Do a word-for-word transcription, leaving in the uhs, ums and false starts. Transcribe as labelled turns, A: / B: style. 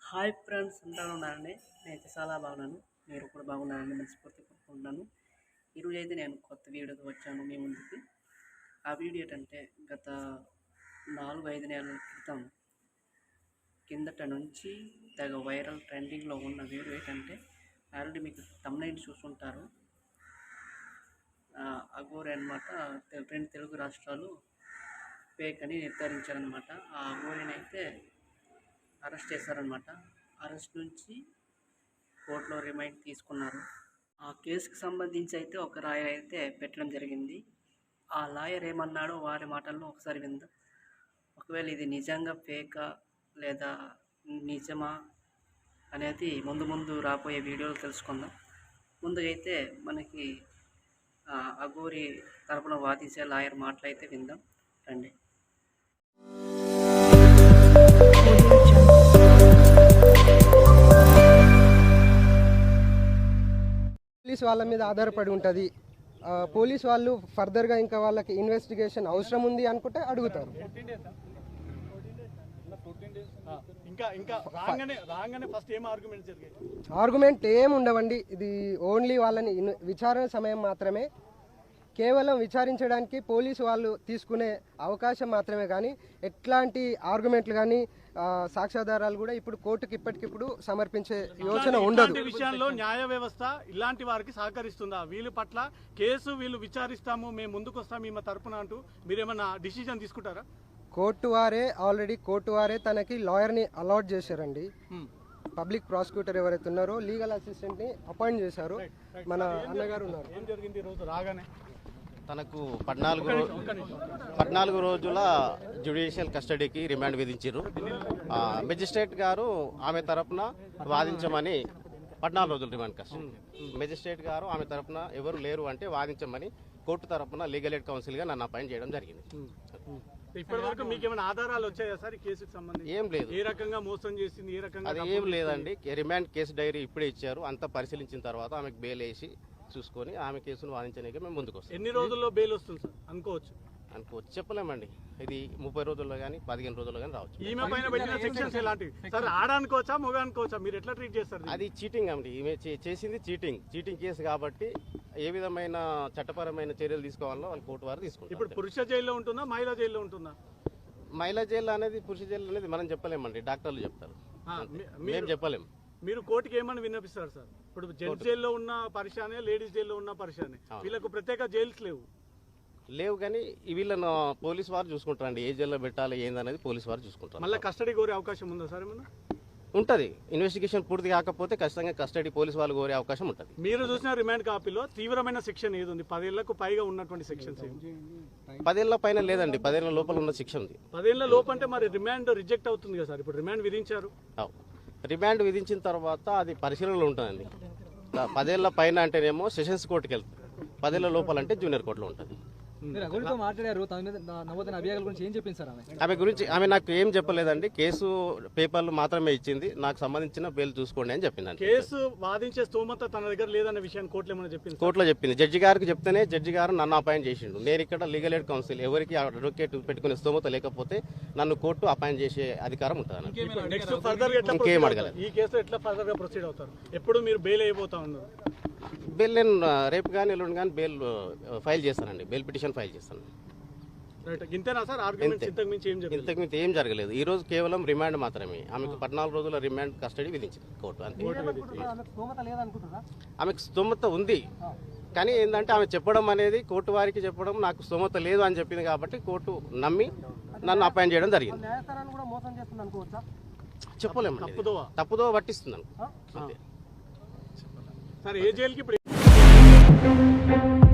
A: Hi friends, అందరూ ఉన్నారండి. నేనైతే చాలా బాగున్నాను. మీరు కూడా బాగున్నారని మనస్ఫూర్తి కోరుకుంటున్నాను. ఈరోజు అయితే నేను కొత్త వీడియోతో వచ్చాను మీ ముందుకి. ఆ వీడియో ఏంటంటే గత నాలుగు ఐదు నెలల క్రితం కిందట నుంచి తెగ వైరల్ ట్రెండింగ్లో ఉన్న వీడియో ఏంటంటే ఆల్రెడీ మీకు తమ్నైల్ చూసుంటారు. అఘోరి అనమాట రెండు తెలుగు రాష్ట్రాలు ఫేక్ అని నిర్ధారించారనమాట. ఆ అఘోరిని అయితే అరెస్ట్ చేశారనమాట. అరెస్ట్ నుంచి కోర్టులో రిమైండ్ తీసుకున్నారు. ఆ కేసుకు సంబంధించి అయితే ఒక లాయర్ అయితే పెట్టడం జరిగింది. ఆ లాయర్ ఏమన్నాడో వారి మాటల్లో ఒకసారి విందాం. ఒకవేళ ఇది నిజంగా ఫేకా లేదా నిజమా అనేది ముందు ముందు రాబోయే వీడియోలు తెలుసుకుందాం. ముందుగా అయితే మనకి అఘోరి తరపున వాదించే లాయర్ మాటలు అయితే విందాం రండి.
B: పోలీస్ వాళ్ళ మీద ఆధారపడి ఉంటుంది. పోలీస్ వాళ్ళు ఫర్దర్గా ఇంకా వాళ్ళకి ఇన్వెస్టిగేషన్ అవసరం ఉంది అనుకుంటే అడుగుతారు. ఆర్గ్యుమెంట్ ఏం ఉండవండి. ఇది ఓన్లీ వాళ్ళని విచారణ సమయం మాత్రమే. కేవలం విచారించడానికి పోలీసు వాళ్ళు తీసుకునే అవకాశం మాత్రమే, కానీ ఎట్లాంటి ఆర్గ్యుమెంట్లు కానీ సాక్ష్యాధారాలు కూడా ఇప్పుడు కోర్టుకి ఇప్పటికిప్పుడు సమర్పించే యోచన ఉండదు.
C: విషయంలో న్యాయ వ్యవస్థ ఇలాంటి వారికి సహకరిస్తుందా? వీళ్ళ పట్ల కేసు వీళ్ళు విచారిస్తాము, మేము ముందుకు వస్తాము మీ తరపున అంటూ మీరేమన్నా డిసిజన్ తీసుకుంటారా?
B: కోర్టు వారే ఆల్రెడీ కోర్టు వారే తనకి లాయర్ని అలాట్ చేశారండి. పబ్లిక్ ప్రాసిక్యూటర్ ఎవరైతే ఉన్నారో లీగల్ అసిస్టెంట్ ని అపాయింట్ చేశారు. మన అన్నగారు ఉన్నారు.
C: ఏం జరిగింది రోజు రాగానే?
D: తనకు పద్నాలుగు పద్నాలుగు రోజుల జ్యుడిషియల్ కస్టడీకి రిమాండ్ విధించారు. మెజిస్ట్రేట్ గారు ఆమె తరపున వాదించమని పద్నాలుగు రోజులు రిమాండ్ కస్టడీ. మెజిస్ట్రేట్ గారు ఆమె తరపున ఎవరు లేరు అంటే వాదించమని కోర్టు తరపున లీగల్ ఎయిడ్ కౌన్సిల్ గా నన్ను అపాయింట్ చేయడం జరిగింది.
C: ఇప్పటి వరకు మీకు ఏమైనా ఆధారాలు వచ్చాయా సార్ ఈ కేసుకు సంబంధించి?
D: ఏం లేదు.
C: ఏ రకంగా మోసం చేసింది, ఏ రకంగా?
D: అది ఏం లేదండి. రిమాండ్ కేసు డైరీ ఇప్పుడే ఇచ్చారు. అంతా పరిశీలించిన తర్వాత ఆమెకు బెయిల్ వేసి చూసుకొని ఆమె కేసును వాదించడానికి మేము ముందుకు వస్తాం.
C: ఎన్ని రోజుల్లో బెయిల్ వస్తుంది సార్ అనుకోవచ్చు?
D: అనుకోవచ్చు, చెప్పలేమండి. ఇది ముప్పై రోజుల్లో కానీ పదిహేను రోజుల్లో కానీ రావచ్చు.
C: ఈమె పైన పెట్టిన సెక్షన్స్ ఎలాంటివి సార్? ఆడనుకోవచ్చా, మొగ అనుకోవచ్చా? మీరు ఎట్లా ట్రీట్ చేస్తారు?
D: అది చీటింగ్ అండి. ఈమె చేసింది చీటింగ్ చీటింగ్ కేసు కాబట్టి ఏ విధమైన చట్టపరమైన చర్యలు తీసుకోవాలో వాళ్ళు కోర్టు వారు తీసుకుంటారు.
C: ఇప్పుడు పురుష జైల్లో ఉంటుందా, మహిళా జైల్లో ఉంటుందా?
D: మహిళా జైలు అనేది పురుష జైలు అనేది మనం చెప్పలేమండి, డాక్టర్లు చెప్తారు, మేము చెప్పలేము.
C: మీరు కోర్టుకి ఏమని విన్నపిస్తారు సార్? ఇప్పుడు జెంట్స్ జైల్లో ఉన్న పరిశానే, లేడీస్ జైల్లో ఉన్న పరిశానే, వీళ్ళకు ప్రత్యేక జైల్స్ లేవు
D: లేవు కానీ వీళ్ళను పోలీసు వారు చూసుకుంటారండి. ఏ జైల్లో పెట్టాలి ఏందనేది పోలీసు వారు చూసుకుంటారు.
C: మళ్ళీ కస్టడీ కోరే అవకాశం ఉందా సార్? ఏమన్నా
D: ఉంటుంది. ఇన్వెస్టిగేషన్ పూర్తి కాకపోతే ఖచ్చితంగా కస్టడీ పోలీసు వాళ్ళు కోరే అవకాశం ఉంటుంది.
C: మీరు చూసిన రిమాండ్ కాపీలో తీవ్రమైన సెక్షన్ ఏది ఉంది? పదేళ్లకు పైగా ఉన్నటువంటి సెక్షన్స్
D: పదేళ్ల పైన లేదండి, పదేళ్ల లోపల ఉన్న శిక్ష ఉంది.
C: పదేళ్ల లోపు అంటే మరి రిమాండ్ రిజెక్ట్ అవుతుంది కదా సార్? ఇప్పుడు రిమాండ్ విధించారు.
D: రిమాండ్ విధించిన తర్వాత అది పరిశీలనలో ఉంటుందండి. పదేళ్ల పైన అంటేనేమో సెషన్స్ కోర్టుకి వెళ్తుంది, పదేళ్ల లోపల అంటే జూనియర్ కోర్టులో ఉంటుంది. ఆమె గురించి ఆమె నాకు ఏం చెప్పలేదండి. కేసు పేపర్లు మాత్రమే ఇచ్చింది. నాకు సంబంధించిన బెయిల్ చూసుకోండి అని చెప్పింది.
C: కేసు వాదించే స్తోమత తన దగ్గర లేదన్న విషయాన్ని కోర్టులో ఏమైనా చెప్పింది?
D: కోర్టులో చెప్పింది. జడ్జి గారికి చెప్తేనే జడ్జి గారు నన్ను అపాయింట్ చేసిండు. నేను ఇక్కడ లీగల్ ఎయిడ్ కౌన్సిల్ ఎవరికి అడ్వకేట్ పెట్టుకునే స్తోమత లేకపోతే నన్ను కోర్టు అపాయింట్ చేసే అధికారం ఉంటుంది. ఇంకేం అడగలేదు.
C: ఈ కేసు ఎట్లా ఫర్దర్ గా ప్రొసీడ్ అవుతారు? ఎప్పుడు మీరు బెయిల్ అయిపోతా ఉన్నారు?
D: బెయిల్ నేను రేపు కానీ ఎల్లుండి కానీ బెయిల్ ఫైల్ చేస్తానండి. బెయిల్ పిటిషన్ ఫైల్ చేస్తాను. ఇంతకు మించి ఏం జరగలేదు. ఈ రోజు కేవలం రిమాండ్ మాత్రమే. ఆమెకు పద్నాలుగు రోజుల రిమాండ్ కస్టడీ విధించింది కోర్టు. అంతే. ఆమెకు స్తోమత ఉంది కానీ ఏంటంటే ఆమె చెప్పడం అనేది కోర్టు వారికి చెప్పడం నాకు స్తోమత లేదు అని చెప్పింది కాబట్టి కోర్టు నమ్మి నన్ను అపాయింట్ చేయడం జరిగింది. చెప్పలేము, తప్పుదో పట్టిస్తున్నాను.
C: సరే, ఏ జైలుకి ఇప్పుడు